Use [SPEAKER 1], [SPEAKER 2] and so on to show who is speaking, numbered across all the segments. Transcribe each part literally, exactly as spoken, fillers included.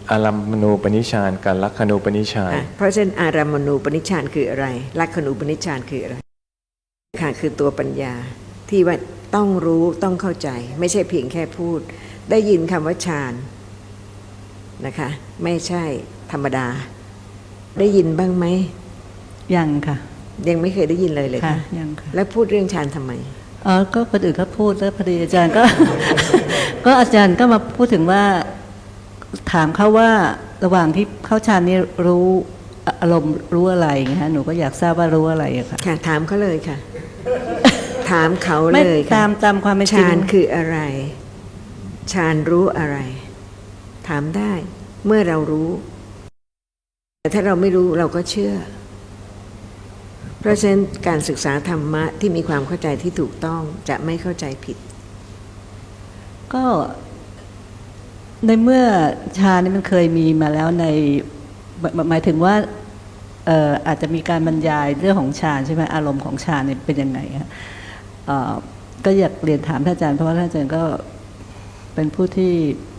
[SPEAKER 1] อารัมมณูปนิชฌานกับลักขณูปนิชฌาน
[SPEAKER 2] เพราะฉะนั้นอารัมมณูปนิชฌานคืออะไรลักขณูปนิชฌานคืออะไรค่ะคือตัวปัญญาที่ว่าต้องรู้ต้องเข้าใจไม่ใช่เพียงแค่พูดได้ยินคำว่าฌานนะคะไม่ใช่ธรรมดาได้ยินบ้างไหม
[SPEAKER 3] ยังค่ะ
[SPEAKER 2] ยังไม่เคยได้ยินเลยเลยค่ะ
[SPEAKER 3] ยังค่ะ
[SPEAKER 2] แล้วพูดเรื่องฌานทำไม
[SPEAKER 3] อ๋อก็คนอื่นเขาพูดแล้วพอดีอาจารย์ก็ ก็อาจารย์ก็มาพูดถึงว่าถามเขาว่าระหว่างที่เข้าฌานนี่รู้อารมณ์รู้อะไรนะคะหนูก็อยากทราบว่ารู้อะไรอะค่ะ
[SPEAKER 2] ค่ะถามเขาเลยค่ะ ถามเขาเลยค่ะ
[SPEAKER 3] ตามตามความเป็นจริง
[SPEAKER 2] ฌานคืออะไรฌานรู้อะไรถามได้เมื่อเรารู้แต่ถ้าเราไม่รู้เราก็เชื่อเพราะฉะนั้นการศึกษาธรรมะที่มีความเข้าใจที่ถูกต้องจะไม่เข้าใจผิด
[SPEAKER 3] ก็ในเมื่อฌานนี่มันเคยมีมาแล้วในหมายถึงว่าเอ่ออาจจะมีการบรรยายเรื่องของฌานใช่ไหมอารมณ์ของฌานเนี่ยเป็นยังไงคะเอ่อก็อยากเรียนถามท่านอาจารย์เพราะว่าท่านอาจารย์ก็เป็นผู้ที่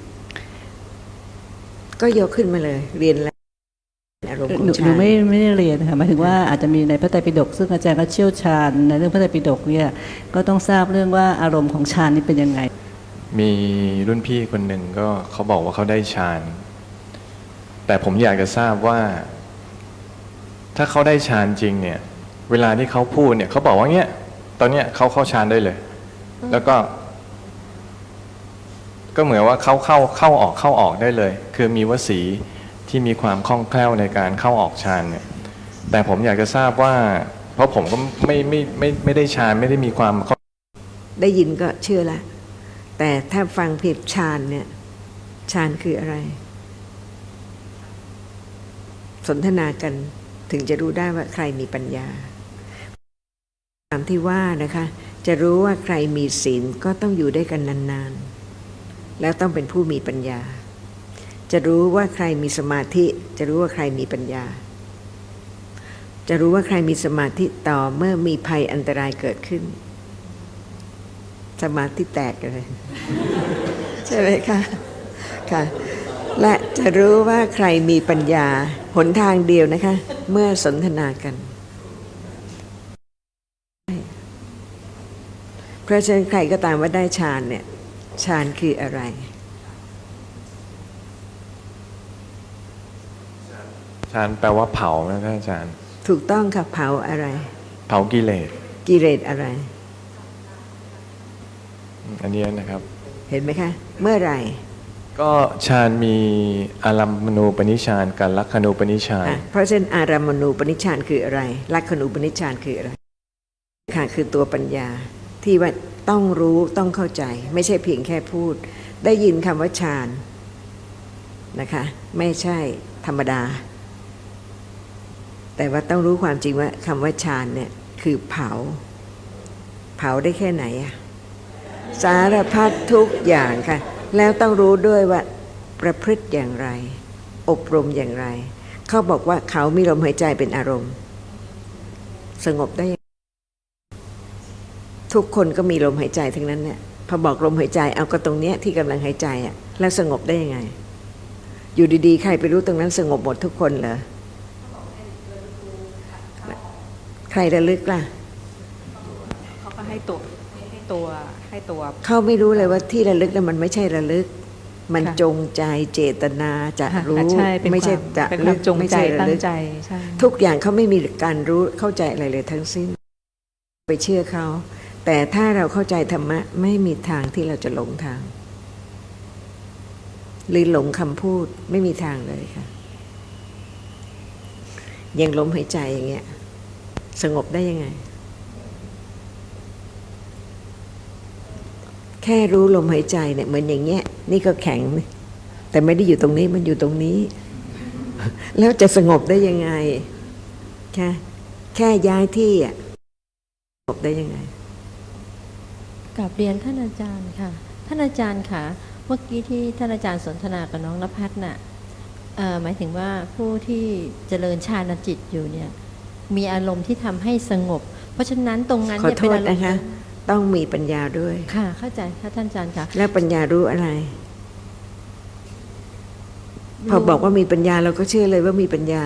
[SPEAKER 2] ก็ยกขึ้นมาเลยเรียนแล้วอารมณ์ของฌาน
[SPEAKER 3] หนูไม่ไม่ได้เรียนค่ะหมายถึงว่าอาจจะมีในพระไตรปิฎกซึ่งอาจารย์ก็เชี่ยวชาญในเรื่องพระไตรปิฎกเนี่ยก็ต้องทราบเรื่องว่าอารมณ์ของฌานนี่เป็นยังไง
[SPEAKER 1] มีรุ่นพี่คนหนึ่งก็เขาบอกว่าเขาได้ฌานแต่ผมอยากจะทราบว่าถ้าเขาได้ฌานจริงเนี่ยเวลาที่เขาพูดเนี่ยเขาบอกว่าเนี้ยตอนเนี้ยเขาเข้าฌานได้เลยแล้วก็ก็เหมือนว่าเขาเข้าเข้าออกเข้าออกได้เลยคือมีวสีที่มีความคล่องแคล่วในการเข้าออกฌานเนี่ยแต่ผมอยากจะทราบว่าเพราะผมก็ไม่ไม่ไม่ไม่ได้ฌานไม่ได้มีความ
[SPEAKER 2] ได้ยินก็เชื่อละแต่ถ้าฟังผิดฌานเนี่ยฌานคืออะไรสนทนากันถึงจะรู้ได้ว่าใครมีปัญญาตามที่ว่านะคะจะรู้ว่าใครมีศีลก็ต้องอยู่ด้วยกันนานๆแล้วต้องเป็นผู้มีปัญญาจะรู้ว่าใครมีสมาธิจะรู้ว่าใครมีปัญญาจะรู้ว่าใครมีสมาธิต่อเมื่อมีภัยอันตรายเกิดขึ้นสมาธิแตกเลยใช่ไหมคะค่ะและจะรู้ว่าใครมีปัญญาหนทางเดียวนะคะเมื่อสนทนากันเพราะฉะนั้นใครก็ตามว่าได้ฌานเนี่ยฌานคืออะไร
[SPEAKER 1] ฌานแปลว่าเผานะท่านอาจารย์
[SPEAKER 2] ถูกต้องค่ะเผาอะไร
[SPEAKER 1] เผากิเลส
[SPEAKER 2] กิเลสอะไร
[SPEAKER 1] อันนี้นะครับ
[SPEAKER 2] เห็นไหมคะเมื่อไหร่
[SPEAKER 1] ก็ฌานมีอารัมมณูปนิชฌานกับลักขณูปนิชฌาน
[SPEAKER 2] เพราะฉะนั้นอารัมมณูปนิชฌานคืออะไรลักขณูปนิชฌานคืออะไรค่ะคือตัวปัญญาที่ว่าต้องรู้ต้องเข้าใจไม่ใช่เพียงแค่พูดได้ยินคำว่าฌานนะคะไม่ใช่ธรรมดาแต่ว่าต้องรู้ความจริงว่าคำว่าฌานเนี่ยคือเผาเผาได้แค่ไหนอะสารพัดทุกอย่างค่ะแล้วต้องรู้ด้วยว่าประพฤติอย่างไรอบรมอย่างไรเขาบอกว่าเขามีลมหายใจเป็นอารมณ์สงบได้ทุกคนก็มีลมหายใจทั้งนั้นเนี่ยพอบอกลมหายใจเอาก็ตรงเนี้ยที่กำลังหายใจอ่ะแล้วสงบได้ยังไงอยู่ดีๆใครไปรู้ตรงนั้นสงบหมดทุกคนเหรอใครระลึกล่ะ
[SPEAKER 4] เขาก็ให้ตัวให้ตัวให้ตัว
[SPEAKER 2] เขาไม่รู้เลยว่าที่ระลึกนั้นมันไม่ใช่ระลึกมันจงใจเจตนาจะรู้ไม่ใช่จะ
[SPEAKER 4] ลึกจงใจตั้งใจ
[SPEAKER 2] ทุกอย่างเขาไม่มีการรู้เข้าใจอะไรเลยทั้งสิ้นไปเชื่อเขาแต่ถ้าเราเข้าใจธรรมะไม่มีทางที่เราจะหลงทางหรือหลงคำพูดไม่มีทางเลยค่ะยังลมหายใจอย่างเงี้ยสงบได้ยังไงแค่รู้ลมหายใจเนี่ยเหมือนอย่างเงี้ยนี่ก็แข็งแต่ไม่ได้อยู่ตรงนี้มันอยู่ตรงนี้แล้วจะสงบได้ยังไงแค่แค่ย้ายที่อ่ะสงบได้ยังไง
[SPEAKER 5] กราบเรียนท่านอาจารย์ค่ะท่านอาจารย์ค่ะเมื่อกี้ที่ท่านอาจารย์สนทนากับน้องณภัสน่ะหมายถึงว่าผู้ที่เจริญฌานจิตอยู่เนี่ยมีอารมณ์ที่ทำให้สงบเพราะฉะนั้นตรงนั้น
[SPEAKER 2] เนี่ยเป็นอารมณ์นะคะต้องมีปัญญาด้วย
[SPEAKER 5] ค่ะเข้าใจค่ะท่านอาจารย์ค่ะ
[SPEAKER 2] แล้วปัญญารู้อะไรพอบอกว่ามีปัญญาเราก็เชื่อเลยว่ามีปัญญา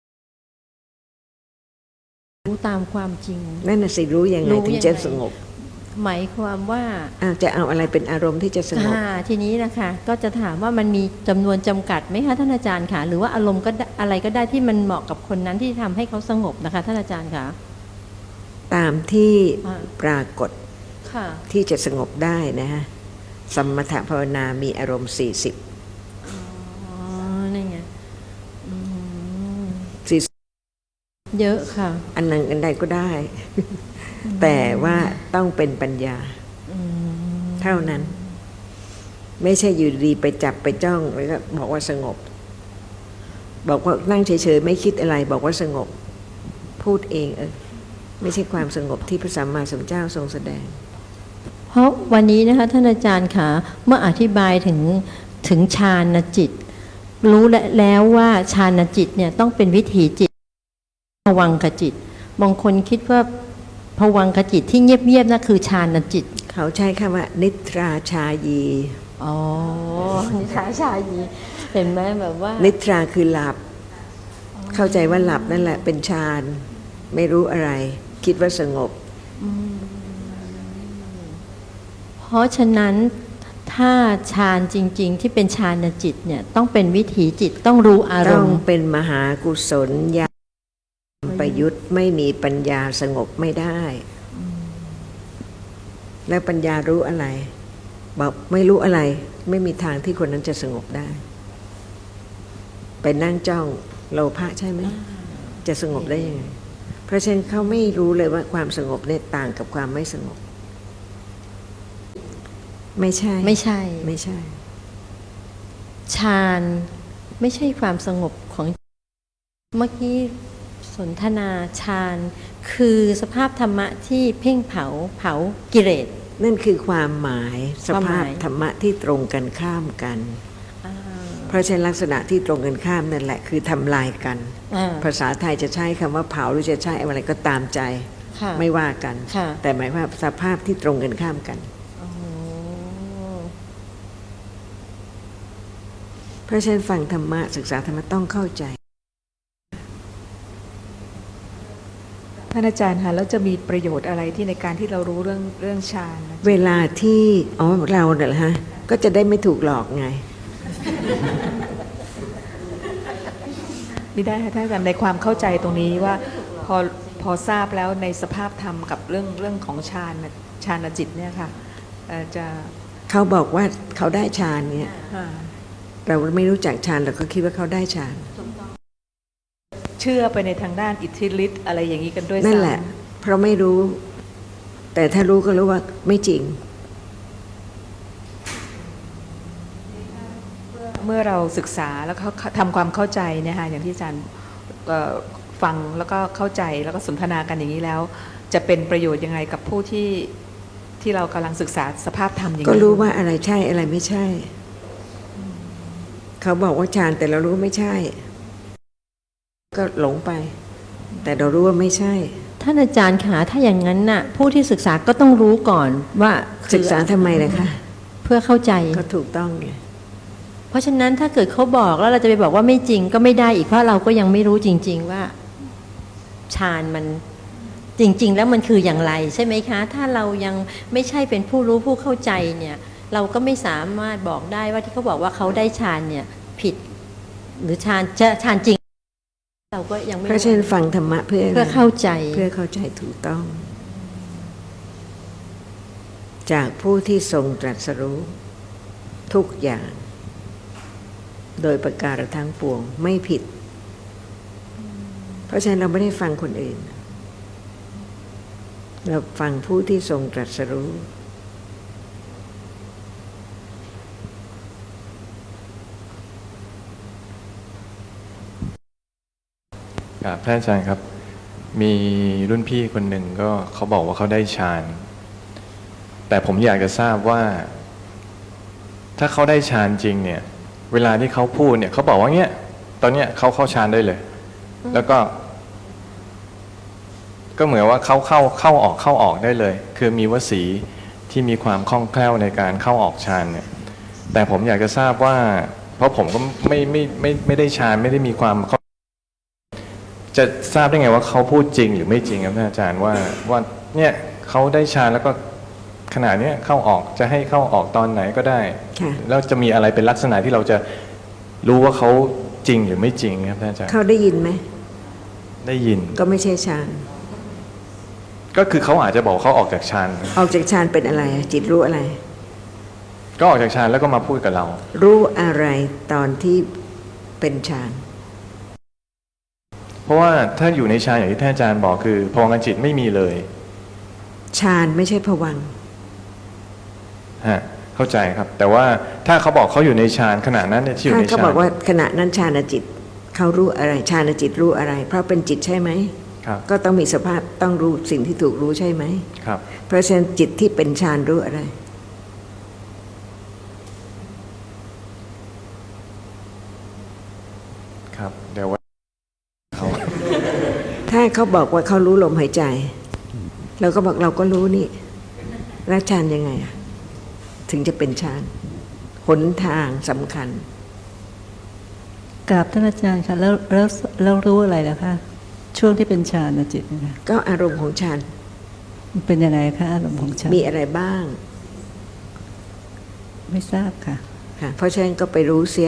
[SPEAKER 5] รู้ตามความจริง
[SPEAKER 2] นั่นน่ะสิรู้ยังไง
[SPEAKER 5] รู้
[SPEAKER 2] ถึง
[SPEAKER 5] ยัง
[SPEAKER 2] จะ
[SPEAKER 5] ไง
[SPEAKER 2] สงบ
[SPEAKER 5] หมายความว่า
[SPEAKER 2] อ้าวจะเอาอะไรเป็นอารมณ์ที่จะสงบ
[SPEAKER 5] อ่าทีนี้นะคะก็จะถามว่ามันมีจำนวนจำกัดไหมคะท่านอาจารย์คะหรือว่าอารมณ์ก็ได้อะไรก็ได้ที่มันเหมาะกับคนนั้นที่ทำให้เขาสงบนะคะท่านอาจารย์คะ
[SPEAKER 2] ตามที่
[SPEAKER 5] อ่า
[SPEAKER 2] ปรากฏ
[SPEAKER 5] ค่ะ
[SPEAKER 2] ที่จะสงบได้นะฮะสมถภาวนามีอารมณ์สี่สิบ
[SPEAKER 5] อ๋อนี่ไงอืม
[SPEAKER 2] สี่สิบ
[SPEAKER 5] เยอะค่ะ
[SPEAKER 2] อันหนึ่งอันใดก็ได้ แต่ว่าต้องเป็นปัญญา
[SPEAKER 5] อืม
[SPEAKER 2] เท่านั้น ไม่ใช่อยู่ดีไปจับไปจ้องแล้วก็บอกว่าสงบ บอกว่านั่งเฉยๆไม่คิดอะไร บอกว่าสงบ พูดเองเออไม่ใช่ความสงบที่พระสัมมาสัมพุทธเจ้าทรงแสดง
[SPEAKER 5] เพราะวันนี้นะคะท่านอาจารย์คะเมื่ออธิบายถึงถึงฌานจิต รู้แล้วว่าฌานจิตเนี่ยต้องเป็นวิถีจิตภวังคจิตบางคนคิดว่าภวังคจิตที่เงียบๆนั่นคือฌานจิต
[SPEAKER 2] เขาใช้คำว่า นิทราชายี
[SPEAKER 5] อ๋อนิทราชายีเห็นไหมแบบว่า
[SPEAKER 2] นิทราคือหลับ เข้าใจว่าหลับนั่นแหละเป็นฌานไม่รู้อะไร คิดว่าสงบ
[SPEAKER 5] เพราะฉะนั้นถ้าฌานจริงๆที่เป็นฌานจิตเนี่ยต้องเป็นวิถีจิตต้องรู้อาร
[SPEAKER 2] ต้อ
[SPEAKER 5] ม
[SPEAKER 2] ง
[SPEAKER 5] ณ์
[SPEAKER 2] เป็นมหากุศลญาณประยุทธ์ไม่มีปัญญาสงบไม่ได้ แล้วปัญญารู้อะไร บอกไม่รู้อะไร ไม่มีทางที่คนนั้นจะสงบได้ ไปนั่งจ้องโลภะใช่ไหมจะสงบได้ยังไงเพราะฉะนั้นเขาไม่รู้เลยว่าความสงบเนี่ยต่างกับความไม่สงบ ไม่ใช่
[SPEAKER 5] ไม่ใช่
[SPEAKER 2] ไม่ใช่
[SPEAKER 5] ฌานไม่ใช่ความสงบของเมื่อกี้สนทนาฌานคือสภาพธรรมะที่เพ่งเผาเผากิเลส
[SPEAKER 2] นั่นคือความหมายส
[SPEAKER 5] ความห
[SPEAKER 2] ภาพ
[SPEAKER 5] มาย
[SPEAKER 2] ธรรมะที่ตรงกันข้ามกัน
[SPEAKER 5] อ่า
[SPEAKER 2] เพราะฉะนั้นลักษณะที่ตรงกันข้ามนั่นแหละคือทำลายกัน
[SPEAKER 5] อ่า
[SPEAKER 2] ภาษาไทยจะใช้คำว่าเผาหรือจะใช้อะไรก็ตามใจ
[SPEAKER 5] ค่ะ
[SPEAKER 2] ไม่ว่ากัน
[SPEAKER 5] ค่ะ
[SPEAKER 2] แต่หมายว่าสภาพที่ตรงกันข้ามกัน
[SPEAKER 5] อ๋อ
[SPEAKER 2] เพราะฉะนั้นฟังธรรมะศึกษาธรรมะต้องเข้าใจ
[SPEAKER 4] ท่านอาจารย์คะแล้วจะมีประโยชน์อะไรที่ในการที่เรารู้เรื่องเรื่องฌานนะ
[SPEAKER 2] เวลาที่อ๋อเราเนี่ยเหรอฮะก็จะได้ไม่ถูกหลอกไง
[SPEAKER 4] ไม่ได้ค่ะท่านอาจารย์ในความเข้าใจตรงนี้ว่าพอพอทราบแล้วในสภาพธรรมกับเรื่องเรื่องของฌานน่ะฌานจิตเนี่ยค่ะเอ่อจะ
[SPEAKER 2] เขาบอกว่าเขาได้ฌานเนี่ย
[SPEAKER 4] อ่า
[SPEAKER 2] เราไม่รู้จักฌานเราก็คิดว่าเขาได้ฌาน
[SPEAKER 4] เชื่อไปในทางด้านอิทธิฤทธิ์อะไรอย่างนี้กันด้วยซ้ำ
[SPEAKER 2] นั่นแหละ เพราะไม่รู้ แต่ถ้ารู้ก็รู้ว่าไม่จริง
[SPEAKER 4] เมื่อเราศึกษาแล้วเขาทำความเข้าใจเนี่ยค่ะอย่างที่อาจารย์เอ่อฟังแล้วก็เข้าใจแล้วก็สนทนากันอย่างนี้แล้ว จะเป็นประโยชน์ยังไงกับผู้ที่ที่เรากำลังศึกษาสภาพธรรมอย่าง
[SPEAKER 2] ก็
[SPEAKER 4] นี้
[SPEAKER 2] รู้ว่าอะไรใช่อะไรไม่ใช่ เขาบอกว่าฌานแต่เรารู้ไม่ใช่ ก็หลงไป แต่เรารู้ว่าไม่ใช่
[SPEAKER 5] ท่านอาจารย์คะถ้าอย่างนั้นน่ะผู้ที่ศึกษาก็ต้องรู้ก่อนว่าคือ
[SPEAKER 2] ศึกษาทำไมล่ะคะ
[SPEAKER 5] เพื่อเข้าใจ
[SPEAKER 2] ก็ถูกต้องไง
[SPEAKER 5] เพราะฉะนั้นถ้าเกิดเขาบอกแล้วเราจะไปบอกว่าไม่จริงก็ไม่ได้อีกเพราะเราก็ยังไม่รู้จริง ๆว่าฌานมันจริง ๆ แล้วมันคืออย่างไรใช่ไหมคะ ถ้าเรายังไม่ใช่เป็นผู้รู้ผู้เข้าใจเนี่ยเราก็ไม่สามารถบอกได้ว่าที่เขาบอกว่าเขาได้ฌานเนี่ยผิด หรือฌานจะฌานจริง เราก็ยังไม่
[SPEAKER 2] เพราะฉะนั้นฟังธรรมะเพื่อ
[SPEAKER 5] เพื่อเข้าใจ
[SPEAKER 2] เพื่อเข้าใจถูกต้อง จากผู้ที่ทรงตรัสรู้ ทุกอย่าง โดยประการทั้งปวงไม่ผิด เพราะฉะนั้นเราไม่ได้ฟังคนอื่น เราฟังผู้ที่ทรงตรัสรู้
[SPEAKER 1] ครับท่านอาจารย์ครับ มีรุ่นพี่คนหนึ่งก็เขาบอกว่าเขาได้ฌานแต่ผมอยากจะทราบว่า ถ้าเขาได้ฌานจริงเนี่ย เวลาที่เขาพูดเนี่ยเขาบอกว่าเนี้ยตอนเนี้ยเขาเข้าฌานได้เลย แล้วก็ ก็เหมือนว่าเขาเข้าเข้าออกเข้าออกได้เลย คือมีวสีที่มีความคล่องแคล่วในการเข้าออกฌานเนี่ย แต่ผมอยากจะทราบว่าเพราะผมก็ไม่ไม่ไม่ไม่ได้ฌานไม่ได้มีความจะทราบได้ไงว่าเขาพูดจริงหรือไม่จริงครับท่านอาจารย์ว่าว่าเนี่ยเขาได้ฌานแล้วก็ขณะนี้เข้าออกจะให้เข้าออกตอนไหนก็ได้
[SPEAKER 2] ค่ะ
[SPEAKER 1] แล้วจะมีอะไรเป็นลักษณะที่เราจะรู้ว่าเขาจริงหรือไม่จริงครับท่านอาจารย์
[SPEAKER 2] เขาได้ยินไหม
[SPEAKER 1] ได้ยิน
[SPEAKER 2] ก็ไม่ใช่ฌาน
[SPEAKER 1] ก็คือเขาอาจจะบอกเขาออกจากฌาน
[SPEAKER 2] ออกจากฌานเป็นอะไร จิตรู้อะไร
[SPEAKER 1] ก็ออกจากฌานแล้วก็มาพูดกับเรา
[SPEAKER 2] รู้อะไรตอนที่เป็นฌาน
[SPEAKER 1] เพราะว่าถ้าอยู่ในฌานอย่างที่ท่านอาจารย์บอกคือพลังจิตไม่มีเลย
[SPEAKER 2] ฌานไม่ใช่ภวังค์
[SPEAKER 1] ฮะเข้าใจครับ แต่ว่าถ้าเขาบอกเขาอยู่ในฌานขณะนั้นเนี่ยที่อยู่
[SPEAKER 2] ถ้า
[SPEAKER 1] ใน
[SPEAKER 2] เขา
[SPEAKER 1] ฌาน
[SPEAKER 2] บอกว่าขณะนั้นฌานจิตเขารู้อะไรฌานจิตรู้อะไร เพราะเป็นจิตใช่ไหม
[SPEAKER 1] ครับ
[SPEAKER 2] ก็ต้องมีสภาพต้องรู้สิ่งที่ถูกรู้ใช่ไหม
[SPEAKER 1] ครับ
[SPEAKER 2] เพราะฉะนั้นจิตที่เป็นฌานรู้อะไร
[SPEAKER 1] ครับเดี๋ยวว่าเขา
[SPEAKER 2] ถ้าเขาบอกว่าเขารู้ลมหายใจ เราก็บอกเราก็รู้นี่แล้วฌานยังไงอะถึงจะเป็นฌานหนทางสำคัญ
[SPEAKER 3] กราบท่านอาจารย์ค่ะแล้วแล้วแล้วรู้อะไรแล้วคะช่วงที่เป็นฌานจิตนะคะ
[SPEAKER 2] ก็อารมณ์ของฌาน
[SPEAKER 3] มันเป็นยังไงคะอารมณ์ของฌาน
[SPEAKER 2] มีอะไรบ้าง
[SPEAKER 3] ไม่ทราบค่ะ
[SPEAKER 2] ค่ะเพราะฉะนั้นก็ไปรู้เสีย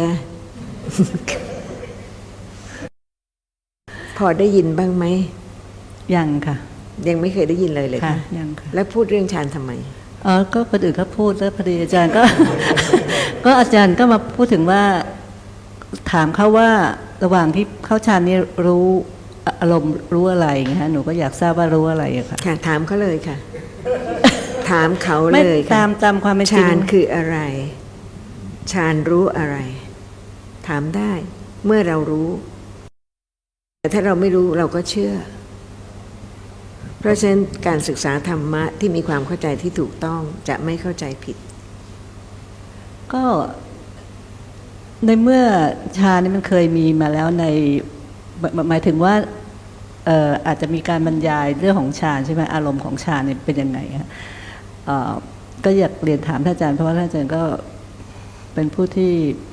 [SPEAKER 2] พอได้ยินบ้างไหม
[SPEAKER 3] ยังค่ะ
[SPEAKER 2] ยังไม่เคยได้ยินเลยเลย
[SPEAKER 3] ค่ะ
[SPEAKER 2] ค่ะ
[SPEAKER 3] ยังค่ะ
[SPEAKER 2] แล้วพูดเรื่องฌานทำไม
[SPEAKER 3] อ๋อก็คนอื่นเขาพูดแล้วพอดีอาจารย์ก็ ก็อาจารย์ก็มาพูดถึงว่าถามเขาว่าระหว่างที่เข้าฌานนี้รู้อารมณ์รู้อะไรอย่างเงี้ยฮะหนูก็อยากทราบว่ารู้อะไรอะค่ะ
[SPEAKER 2] ค่ะ ถามเขาเลยค่ะ ถามเขา
[SPEAKER 3] ไม่
[SPEAKER 2] เลย
[SPEAKER 3] ตา
[SPEAKER 2] ค่ะ
[SPEAKER 3] มตามความเป็นจริง
[SPEAKER 2] ฌานคืออะไรฌานรู้อะไร ถามได้ เมื่อเรารู้ แต่ถ้าเราไม่รู้เราก็เชื่อ เพราะฉะนั้นการศึกษาธรรมะที่มีความเข้าใจที่ถูกต้องจะไม่เข้าใจผิด
[SPEAKER 3] ก็ในเมื่อฌานนี่มันเคยมีมาแล้วในหมายหมายถึงว่าเอ่ออาจจะมีการบรรยายเรื่องของฌานใช่ไหมอารมณ์ของฌานเนี่ยเป็นยังไงฮะเอ่อก็อยากเรียนถามท่านอาจารย์เพราะว่าท่านอาจารย์ก็เป็นผู้ที่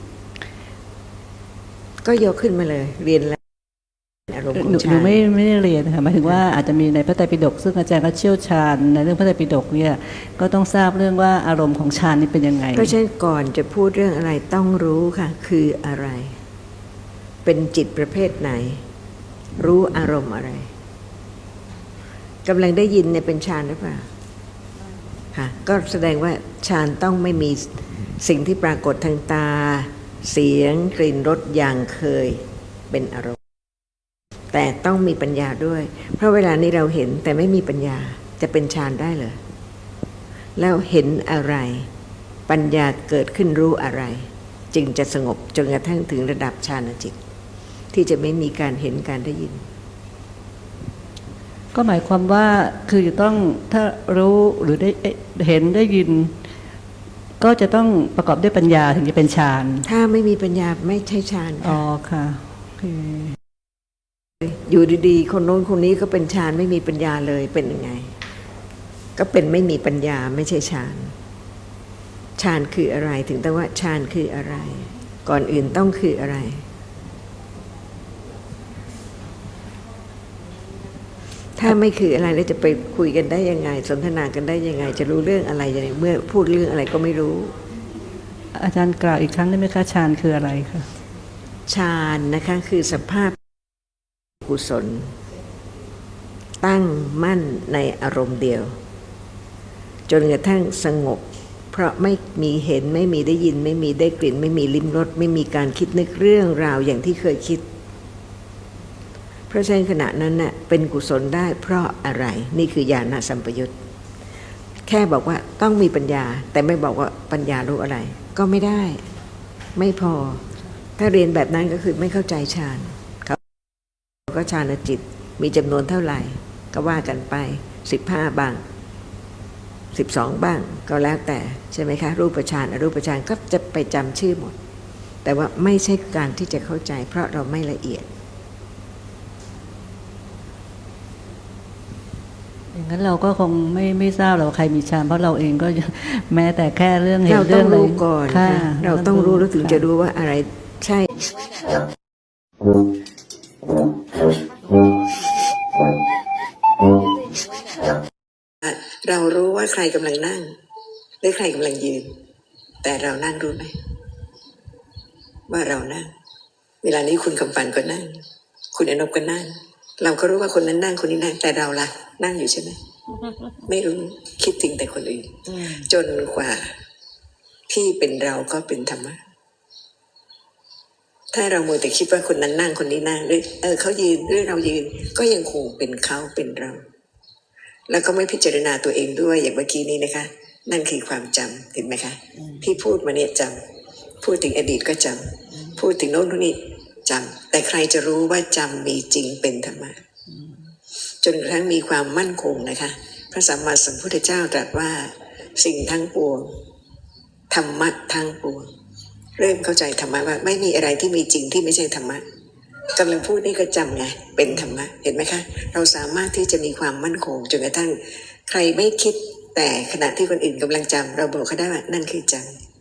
[SPEAKER 2] ก็ยกขึ้นมาเลย เรียนแล้วอารมณ์ขอ
[SPEAKER 3] หนู
[SPEAKER 2] ง
[SPEAKER 3] หนู
[SPEAKER 2] ฌาน
[SPEAKER 3] ไม่ไม่ได้เรียนนะคะหมายถึงว่าอาจจะมีในพระไตรปิฎกซึ่งอาจารย์ก็เชี่ยวชาญในเรื่องพระไตรปิฎกเนี่ยก็ต้องทราบเรื่องว่าอารมณ์ของฌานนี่เป็นยังไง
[SPEAKER 2] เพราะฉะนั้นก่อนจะพูดเรื่องอะไรต้องรู้ค่ะ คืออะไร เป็นจิตประเภทไหน รู้อารมณ์อะไรกำลังได้ยินเนี่ยเป็นฌานหรือเปล่าค่ะก็แสดงว่าฌานต้องไม่มีสิ่งที่ปรากฏทางตา เสียงกลิ่นรสอย่างเคยเป็นอารมณ์ แต่ต้องมีปัญญาด้วย เพราะเวลานี้เราเห็นแต่ไม่มีปัญญาจะเป็นฌานได้เหรอแล้วเห็นอะไร ปัญญาเกิดขึ้นรู้อะไร จึงจะสงบจนกระทั่งถึงระดับฌานจิต ที่จะไม่มีการเห็นการได้ยิน
[SPEAKER 3] ก็หมายความว่าคือจะต้องถ้ารู้หรือได้เห็นได้ยิน ก็จะต้องประกอบด้วยปัญญาถึงจะเป็นฌาน
[SPEAKER 2] ถ้าไม่มีปัญญาไม่ใช่ฌาน
[SPEAKER 3] อ๋
[SPEAKER 2] ค่ะ
[SPEAKER 3] อค่ะโอเค
[SPEAKER 2] อยู่ดีๆ คนโน้นคนนี้ก็เป็นฌานไม่มีปัญญาเลยเป็นยังไง ก็เป็นไม่มีปัญญาไม่ใช่ฌานฌานคืออะไรถึงต้องว่าฌานคืออะไร ก่อนอื่นต้องคืออะไร ถ้าไม่คืออะไรแล้วจะไปคุยกันได้ยังไง สนทนากันได้ยังไง จะรู้เรื่องอะไรยังไงเมื่อพูดเรื่องอะไรก็ไม่รู้
[SPEAKER 3] อาจารย์กล่าวอีกครั้งได้ไหมคะฌานคืออะไรคะ
[SPEAKER 2] ฌานนะคะคือสภาพกุศล ตั้งมั่นในอารมณ์เดียว จนกระทั่งสงบ เพราะไม่มีเห็นไม่มีได้ยิน ไม่มีได้กลิ่น ไม่มีลิ้มรสไม่มีการคิดนึกเรื่องราวอย่างที่เคยคิด เพราะฉะนั้นขณะนั้นน่ะเป็นกุศลได้เพราะอะไรนี่คือญาณสัมปยุตแค่บอกว่าต้องมีปัญญา แต่ไม่บอกว่าปัญญารู้อะไร ก็ไม่ได้ไม่พอ ถ้าเรียนแบบนั้นก็คือไม่เข้าใจฌานเขาก็ฌานจิตมีจำนวนเท่าไหร่ ก็ว่ากันไปสิบห้าบ้างสิบสองบ้างก็แล้วแต่ใช่ไหมคะรูปฌานอรูปฌานก็จะไปจำชื่อหมด แต่ว่าไม่ใช่การที่จะเข้าใจ เพราะเราไม่ละเอียด
[SPEAKER 3] ยอย่างนั้นเราก็คงไม่ไม่ทราบหรอกว่าใครมีฌานเพราะเราเองก็ แม้แต่แค่เรื่องเห็น
[SPEAKER 2] เราต้
[SPEAKER 3] เรื่
[SPEAKER 2] อ
[SPEAKER 3] อง ง
[SPEAKER 2] รู้ก่อน
[SPEAKER 3] ค่ะ
[SPEAKER 2] ค่ะเราต้องรู้แล้วถึงจะรู้ว่าอะไรใช่ เรารู้ว่าใครกำลังนั่งหรือใครกำลังยืน แต่เรานั่งรู้ไหมว่าเรานั่ง เวลานี้คุณคำปันก็นั่ง คุณอนบก็นั่ง เราก็รู้ว่าคนนั้นนั่งคนนี้นั่งแต่เราล่ะนั่งอยู่ใช่ไหมไม่รู้คิดถึงแต่คนอื่นจนกว่าที่เป็นเราก็เป็นธรรมะถ้าเราโมวแต่คิดว่าคนนั้นนั่งคนนี้นั่งหรือเออเขายืนหรือเรายืนก็ยังคงเป็นเขาเป็นเรา แล้วก็ไม่พิจารณาตัวเองด้วยอย่างเมื่อกี้นี้นะคะ นั่นคือความจำเห็นไหมคะที่พูดมาเนี่ยจำพูดถึงอดีตก็จำพูดถึงโน้นนี่จำแต่ใครจะรู้ว่าจำมีจริงเป็นธรรมะจนกระทั่งมีความมั่นคงนะคะพระสัมมาสัมพุทธเจ้าตรัสว่าสิ่งทั้งปวงธรรมะทั้งปวงเริ่มเข้าใจธรรมะว่าไม่มีอะไรที่มีจริงที่ไม่ใช่ธรรมะกำลังพูดนี่ก็จำไงเป็นธรรมะเห็นไหมคะเราสามารถที่จะมีความมั่นคงจนกระทั่งใครไม่คิดแต่ขณะที่คนอื่นกำลังจำเราบอกเขาได้ว่านั่นคือจำ